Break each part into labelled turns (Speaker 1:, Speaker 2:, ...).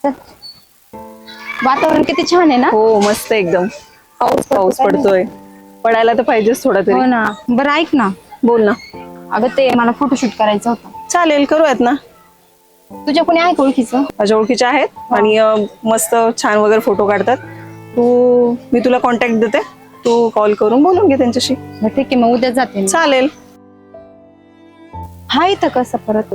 Speaker 1: चल. वातावरण किती छान आहे ना.
Speaker 2: हो मस्त एकदम. पाऊस
Speaker 1: काय
Speaker 2: पडतोय. पडायला तर पाहिजेच थोडा
Speaker 1: नाही. हो
Speaker 2: तरी.
Speaker 1: ना. बरं ऐक ना,
Speaker 2: बोल ना.
Speaker 1: अगं ते मला फोटोशूट करायचं होतं.
Speaker 2: चालेल, करूयात ना.
Speaker 1: तुझ्या कोणी आहे का ओळखीचं?
Speaker 2: माझ्या ओळखीच्या आहेत आणि मस्त छान वगैरे फोटो काढतात. मी तुला कॉन्टॅक्ट देते, तू कॉल करून बोलून घे त्यांच्याशी.
Speaker 1: बरं, ठीक आहे, मग उद्या जाते मी.
Speaker 2: चालेल.
Speaker 1: हा इथं कसं परत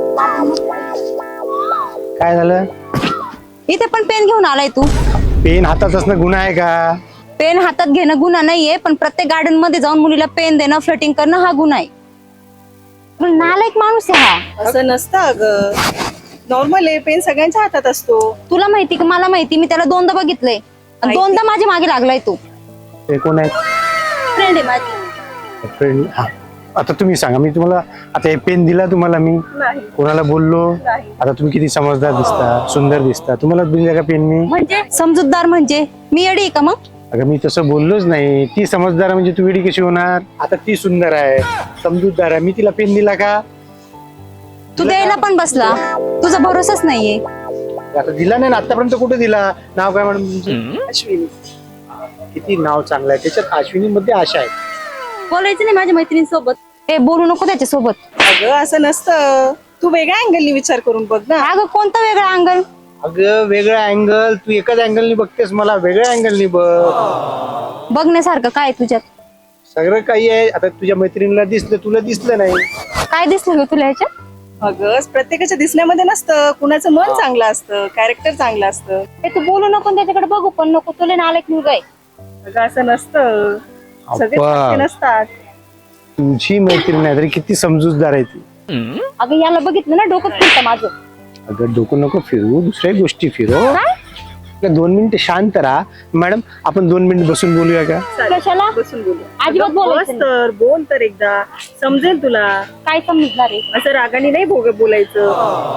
Speaker 3: काय झालं?
Speaker 1: इथे पण पेन घेऊन आलाय तू?
Speaker 3: पेन हातात असणं गुन्हा आहे का?
Speaker 1: पेन हातात घेणं गुन्हा नाहीये, पण प्रत्येक गार्डन मध्ये जाऊन मुलीला पेन देणं, फ्लटिंग करणं हा गुन्हा आहे. पण नालायक माणूस आहे हा.
Speaker 2: असं नसतं अगं, नॉर्मल आहे. पेन सगळ्यांच्या हातात असतो.
Speaker 1: तुला माहिती का? मला माहिती, मी त्याला दोनदा बघितलंय आणि दोनदा माझ्या मागे लागलाय तू.
Speaker 3: ते कोण आहे?
Speaker 1: फ्रेंड आहे माझी.
Speaker 3: फ्रेंड. हा, आता तुम्ही सांगा, मी तुम्हाला आता हे पेन दिला तुम्हाला, मी
Speaker 2: नाही.
Speaker 3: कोणाला बोललो?
Speaker 2: नाही.
Speaker 3: आता तुम्ही किती समजदार दिसता, सुंदर दिसता, तुम्हाला दिला का पेन मी?
Speaker 1: म्हणजे समजूतदार म्हणजे मी येडी आहे का मग?
Speaker 3: अगं मी तसं बोललोच नाही. ती समजदार म्हणजे तू वेडी कशी होणार? आता ती सुंदर आहे, समजूतदार आहे, मी तिला पेन दिला का?
Speaker 1: तू द्यायला पण बसला, तुझा भरोसाच नाहीये.
Speaker 3: आता दिला नाही ना आतापर्यंत. कुठे दिला? नाव काय मॅडम तुमचं?
Speaker 2: अश्विनी.
Speaker 3: किती नाव चांगलं आहे त्याच्यात. अश्विनी मध्ये आशा आहे.
Speaker 1: बोलायचं नाही माझ्या मैत्रिणीसोबत. हे बोलू नको त्याच्यासोबत.
Speaker 2: अगं असं नसतं, तू वेगळ्या अँगलनी विचार करून बघ ना.
Speaker 1: अगं कोणता वेगळा अंगल?
Speaker 3: अगं वेगळा अँगल, तू एकाच अँगलनी बघतेस, मला वेगळ्या अँगलनी बघ.
Speaker 1: बघण्यासारखं काय तुझ्यात?
Speaker 3: सगळं काही आहे. आता तुझ्या मैत्रिणीला दिसलं, तुला दिसलं नाही.
Speaker 1: काय दिसलं ग तुला ह्याच्यात?
Speaker 2: अगं प्रत्येकाच्या दिसण्यामध्ये नसतं, कुणाचं मन चांगलं असतं, कॅरेक्टर चांगलं असतं.
Speaker 1: हे तू बोलू नको आणि त्याच्याकडे बघू पण नको. तुला नालायक मुलगा आहे.
Speaker 2: अगं असं नसतं, सगळे
Speaker 3: अप्पा.
Speaker 2: सारखे नसतात.
Speaker 3: तुझी मैत्रीण नाही तरी किती समजूतदार आहे ती.
Speaker 1: अगं याला बघितलं ना, डोकं फिरतं माझं.
Speaker 3: अगं डोकं नको फिरवू, दुसऱ्या गोष्टी फिरव.
Speaker 1: काय?
Speaker 3: 2 मिनिटं शांत राहा. मॅडम आपण 2 मिनिट बसून बोलूया का?
Speaker 2: चालेल,
Speaker 1: कशाला?
Speaker 2: बसून बोलू.
Speaker 1: अजिबात
Speaker 2: अगं,
Speaker 1: बोलायचं
Speaker 2: बस तर, बोल तर एकदा, समजेल तुला.
Speaker 1: काय समजणार आहे?
Speaker 2: असं रागाने नाही बोलायचं.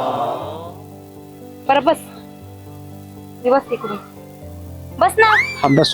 Speaker 1: बरं बस. मी बस तिकडून. बस ना.
Speaker 3: हा बस.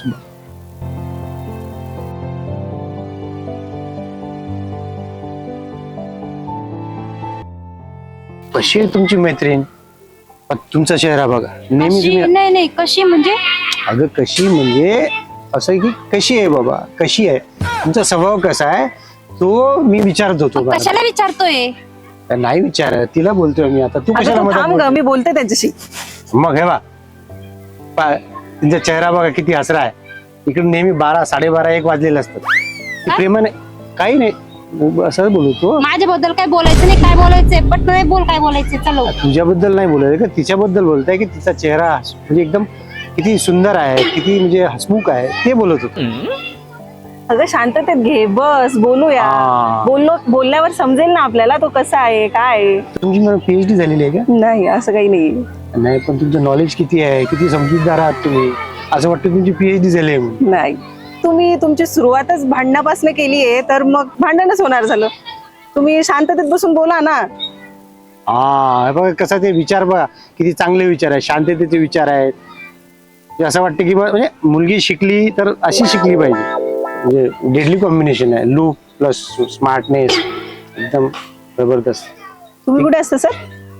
Speaker 3: कशी आहे तुमची मैत्रीण? पण तुमचा चेहरा बघा नेहमी
Speaker 1: कशी?
Speaker 3: तुम्ही.
Speaker 1: नाही नाही, कशी म्हणजे?
Speaker 3: अगं कशी म्हणजे असं आहे की कशी आहे बाबा, कशी आहे, तुमचा स्वभाव कसा आहे तो मी विचारत होतो.
Speaker 1: मग कशाला विचारतोय?
Speaker 3: नाही विचार, तिला बोलतोय मी. आता तू
Speaker 2: अगं,
Speaker 3: कशाला
Speaker 2: तू
Speaker 3: मदत
Speaker 2: थांब गं,
Speaker 3: बोलते?
Speaker 2: मी बोलते त्यांच्याशी.
Speaker 3: मग हे बा तुमचा चेहरा बघा किती हसरा आहे. इकडे नेहमी 12, 12:30, 1 वाजलेले असतात. ती प्रेमाने काही नाही असं बोलतो.
Speaker 1: माझ्याबद्दल काय बोलायचं नाही, काय बोलायचंय पट नाही बोल, काय बोलायचंय चलो.
Speaker 3: तुझ्याबद्दल नाही बोलायचं का, तिच्याबद्दल बोलताय की तिचा चेहरा म्हणजे एकदम किती सुंदर आहे, किती म्हणजे हसमुख आहे, ते बोलत होतो.
Speaker 2: अगं शांततेत घे, बस बोलूया.
Speaker 3: हा.
Speaker 2: बोलल्यावर समजेल ना आपल्याला तो कसा आहे, काय आहे.
Speaker 3: तुमची मला PhD झालेली आहे का?
Speaker 2: नाही, असं काही नाही.
Speaker 3: नाही, पण तुमचं नॉलेज किती आहे, किती समजूतदार आहात तुम्ही. असं वाटतं तुमची PhD झाली आहे म्हणून.
Speaker 2: नाही, तुम्ही तुमची सुरुवातच भांडणापासून केली आहे, तर मग भांडणच होणार झालं. तुम्ही शांततेत बसून बोला ना.
Speaker 3: हा बघा कसा ते विचार बघा, किती चांगले विचार आहेत, शांततेचे विचार आहेत. म्हणजे असं वाटतं की म्हणजे मुलगी शिकली तर अशी शिकली पाहिजे. म्हणजे डेडली कॉम्बिनेशन आहे, लुक प्लस स्मार्टनेस, एकदम जबरदस्त.
Speaker 2: तुम्ही कुठे असता सर?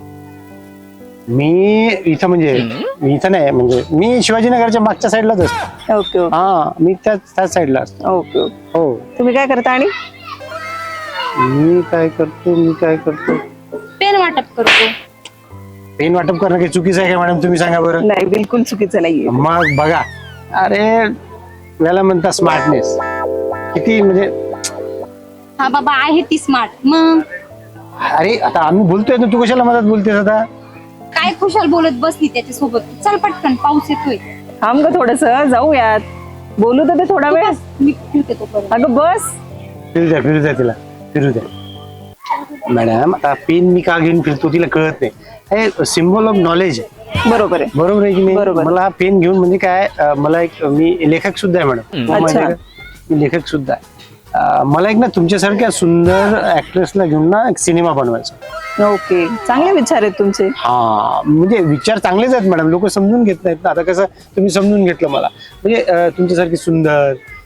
Speaker 3: मी इथं म्हणजे मी इथं नाही, म्हणजे मी शिवाजीनगरच्या मागच्या साईडलाच असतो.
Speaker 2: ओके ओके
Speaker 3: हा, मी त्याच साईडला असतो.
Speaker 2: Okay okay.
Speaker 3: हो.
Speaker 2: तुम्ही काय करता? आणि
Speaker 3: मी काय करतो
Speaker 1: पेन वाटप करतो.
Speaker 3: पेन वाटप करणं काही चुकीचं आहे का मॅडम, तुम्ही सांगा बरं.
Speaker 2: नाही, बिलकुल चुकीचं नाहीये.
Speaker 3: मग बघा, अरे याला म्हणतात स्मार्टनेस. किती म्हणजे
Speaker 1: हा बाबा आहे ती स्मार्ट. मग
Speaker 3: अरे आता आम्ही बोलतोय ना, तू कशाला मदत बोलतेस आता?
Speaker 1: काय खुशाल बोलत बसली त्याच्यासोबत. चल पटकन, पाऊस येतोय.
Speaker 2: थांब ग थोडस, जाऊयात, बोलू तर ते थोडा
Speaker 1: तू
Speaker 2: वेळ.
Speaker 1: बस, मी फिरते तोपर्यंत.
Speaker 2: अगं बस.
Speaker 3: फिरू द्या तिला, फिरू द्या. मॅडम आता पेन मी का घेऊन फिरतो तिला कळत नाही. हे सिम्बॉल ऑफ नॉलेज आहे.
Speaker 2: बरोबर आहे.
Speaker 3: बरोबर आहे की नाही?
Speaker 2: बरोबर.
Speaker 3: मला हा पेन घेऊन म्हणजे काय, मला एक मी लेखक सुद्धा आहे मॅडम.
Speaker 2: अच्छा.
Speaker 3: मी लेखक सुद्धा आहे. मला एक ना तुमच्यासारख्या सुंदर ऍक्ट्रेसला घेऊन ना एक सिनेमा बनवायचा.
Speaker 2: ओके, चांगले विचार आहेत तुमचे.
Speaker 3: हा, म्हणजे विचार चांगलेच आहेत मॅडम, लोक समजून घेत नाहीत ना. आता कसं तुम्ही समजून घेतलं मला, म्हणजे तुमच्यासारखी सुंदर,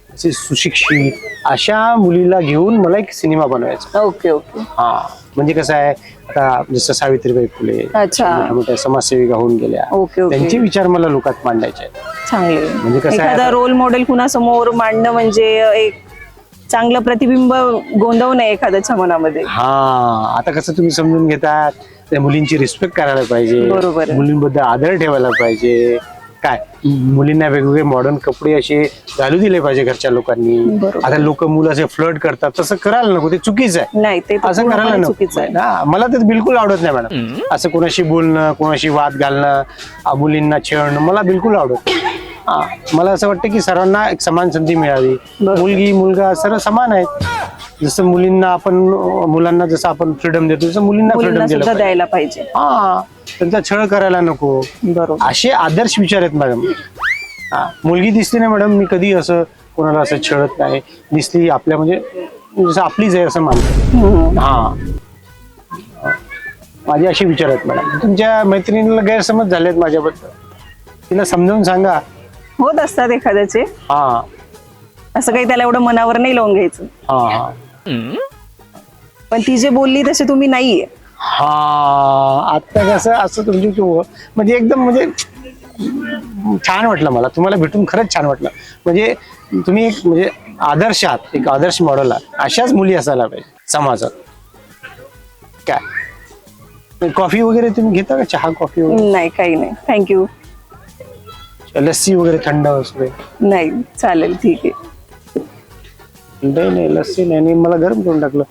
Speaker 3: असे सुशिक्षित अशा मुलीला घेऊन मला एक सिनेमा बनवायचा.
Speaker 2: Okay okay.
Speaker 3: हा म्हणजे कसं आहे, आता जसं सावित्रीबाई फुले
Speaker 2: अच्छा.
Speaker 3: मोठ्या मोठ्या समाजसेविका होऊन गेल्या,
Speaker 2: ओके, ओके.
Speaker 3: त्यांचे विचार मला लोकात मांडायचे आहेत.
Speaker 2: चांगले.
Speaker 3: म्हणजे कसं आहे,
Speaker 2: एखादा रोल मॉडेल कुणासमोर मांडणं म्हणजे एक चांगलं प्रतिबिंब गोंदवणं आहे एखाद्याच्या मनामध्ये.
Speaker 3: हा आता कसं तुम्ही समजून घेतात, त्या मुलींची रिस्पेक्ट करायला पाहिजे,
Speaker 2: बरोबर आहे.
Speaker 3: मुलींबद्दल आदर ठेवायला पाहिजे. काय मुलींना वेगवेगळे मॉडर्न कपडे असे घालू दिले पाहिजे घरच्या लोकांनी.
Speaker 2: बरोबर.
Speaker 3: आता लोक मुलं असे फ्लर्ट करतात, तसं करायला नको, ते चुकीचं आहे.
Speaker 2: नाही ते तर
Speaker 3: असं करायला
Speaker 2: पूर्णपणे
Speaker 3: नको.
Speaker 2: चुकीचं आहे.
Speaker 3: हा, मला तर बिलकुल आवडत नाही मॅडम. असं कोणाशी बोलणं, कोणाशी वाद घालणं, मुलींना छेडणं मला बिलकुल आवडत नाही. हा, मला असं वाटतं की सर्वांना एक समान संधी मिळावी. मुलगी मुलगा सर्व समान आहेत. जसं मुलांना जसं आपण फ्रीडम देतो तसं मुलींना फ्रीडम
Speaker 2: मुलींना
Speaker 3: दिलं
Speaker 2: सुद्धा
Speaker 3: पाहिजे.
Speaker 2: द्यायला पाहिजे.
Speaker 3: हा, त्यांचा छळ करायला नको.
Speaker 2: बरोबर.
Speaker 3: असे आदर्श विचार आहेत मॅडम. हा, मुलगी दिसली नाही मॅडम, मी कधी असं कोणाला असं छळत नाही. दिसली आपल्या म्हणजे जसं आपलीच आहे असं मानतो. हा, माझे असे विचार आहेत मॅडम. तुमच्या मैत्रिणीला गैरसमज झालेत माझ्याबद्दल, तिला समजावून सांगा.
Speaker 2: होत असतात एखाद्याचे,
Speaker 3: हा
Speaker 2: असं काही त्याला एवढं मनावर नाही लावून घ्यायचं.
Speaker 3: हा हा
Speaker 2: पण ती जे बोलली तसे तुम्ही नाहीये.
Speaker 3: हा, आता कसं असं तुमची म्हणजे एकदम म्हणजे छान वाटलं मला तुम्हाला भेटून, खरंच छान वाटलं. म्हणजे तुम्ही एक म्हणजे आदर्श आहात, एक आदर्श मॉडेल आहात. अशाच मुली असायला पाहिजे समाजात. काय कॉफी वगैरे तुम्ही घेता का, चहा कॉफी वगैरे?
Speaker 2: नाही काही नाही, थँक्यू.
Speaker 3: लस्सी वगैरे थंड वगैरे?
Speaker 2: नाही चालेल, ठीक आहे.
Speaker 3: नाही लस्सी नाही, मला गरम करून टाकलं.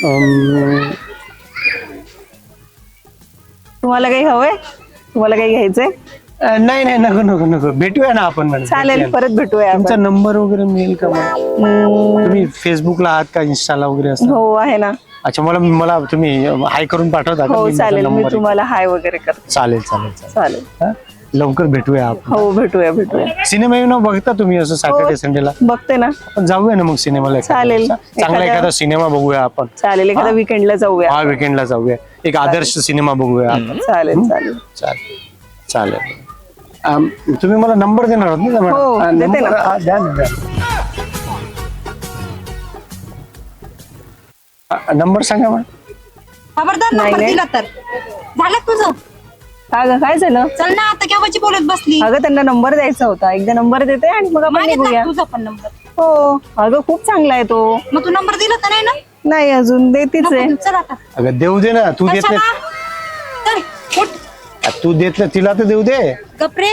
Speaker 2: तुम्हाला काही हवंय, तुम्हाला काही घ्यायचंय?
Speaker 3: नाही नको नको नको, भेटूया ना आपण मॅडम.
Speaker 2: चालेल, परत भेटूया
Speaker 3: तुमचा
Speaker 2: आपण.
Speaker 3: नंबर वगैरे मिळेल का मला? तुम्ही फेसबुकला आहात का, इन्स्टाला वगैरे असं?
Speaker 2: हो आहे ना.
Speaker 3: अच्छा, मला तुम्ही हाय करून पाठवता का?
Speaker 2: हो
Speaker 3: मी माझा
Speaker 2: चालेल, मी
Speaker 3: number-
Speaker 2: तुम्हाला हाय वगैरे करते.
Speaker 3: चालेल चालेल चालेल.
Speaker 2: चालेल.
Speaker 3: हा? लवकर भेटूया आपण.
Speaker 2: हो भेटूया.
Speaker 3: सिनेमा येऊन बघता तुम्ही असं सॅटर्डे संडेला?
Speaker 2: बघते ना.
Speaker 3: आपण जाऊया ना मग सिनेमाला एखाद्या
Speaker 2: चालेल.
Speaker 3: दिवसा. चांगला एखादा सिनेमा बघूया आपण.
Speaker 2: चालेल, एखाद्या वीकेंडला जाऊया.
Speaker 3: हा, वीकेंडला जाऊया, एक आदर्श सिनेमा बघूया आपण.
Speaker 2: चालेल चालेल.
Speaker 3: चालेल. तुम्ही मला नंबर देणार आहात ना मॅडम?
Speaker 2: हो,
Speaker 3: हा,
Speaker 2: देते
Speaker 3: number-
Speaker 2: ना.
Speaker 3: हा, द्या ना, द्या. नंबर सांगा मॅडम.
Speaker 1: खबरदार
Speaker 2: नाही,
Speaker 1: नंबर
Speaker 2: नाही.
Speaker 1: दिला तर झालं तुझं.
Speaker 2: का ग, काय झालं?
Speaker 1: चल ना, आता केव्हाची बोलत बसली.
Speaker 2: अगं त्यांना नंबर द्यायचा होता, एकदा नंबर देते आणि मग आपण
Speaker 1: मागितला
Speaker 2: निघूया.
Speaker 1: तुझा पण नंबर.
Speaker 2: हो अगं खूप चांगला आहे तो.
Speaker 1: मग तू नंबर दिला तर नाही ना?
Speaker 2: नाही अजून देतीच आहे.
Speaker 1: नको, चल आता.
Speaker 3: अगं देऊ दे ना, तू देत
Speaker 1: कशाला?
Speaker 3: नाही.
Speaker 1: चल, उठ.
Speaker 3: तू देत नाही, तिला तर देऊ दे.
Speaker 1: गपरे.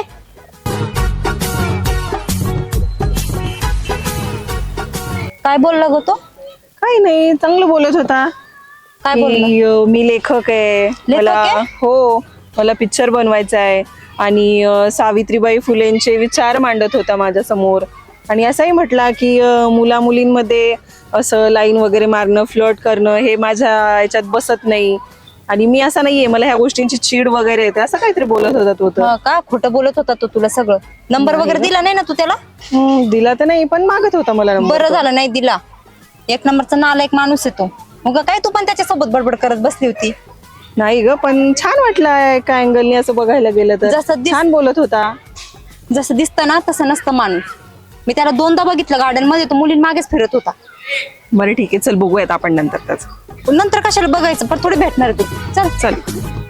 Speaker 1: काय बोलला ग तो?
Speaker 2: काही नाही, चांगलं बोलत होता.
Speaker 1: काय बोलला?
Speaker 2: की, मी लेखक आहे,
Speaker 1: लेखक
Speaker 2: मला
Speaker 1: आहे?
Speaker 2: हो मला पिक्चर बनवायचा आहे आणि सावित्रीबाई फुलेंचे विचार मांडत होता माझ्या समोर. आणि असंही म्हटला की मुला मुलींमध्ये असं लाईन वगैरे मारणं, फ्लर्ट करणं हे माझ्या याच्यात बसत नाही आणि मी असा नाहीये, मला ह्या गोष्टींची चीड वगैरे येते, असं काहीतरी बोलत होता तो.
Speaker 1: हा का, खोटं बोलत होता तो तुला सगळं? नंबर वगैरे दिला नाही ना तू त्याला?
Speaker 2: दिला तर नाही, पण मागत होता मला नंबर.
Speaker 1: बरं झालं नाही दिला. एक नंबरचा नालायक माणूस आहे तो. मग काय तू पण त्याच्यासोबत बडबड करत बसली होती?
Speaker 2: नाही ग, पण छान वाटलं एका अँगलनी असं बघायला गेलं तर.
Speaker 1: जसं
Speaker 2: छान बोलत होता.
Speaker 1: जसं दिसतं ना तसं नसतं माणूस. मी त्याला दोनदा बघितलं गार्डन मध्ये, तो मुलीं मागेच फिरत होता.
Speaker 2: बरं ठीक आहे, चल बघूयात आपण नंतर त्याच.
Speaker 1: नंतर कशाला बघायचं, पण थोडी भेटणार आहे तू. चल.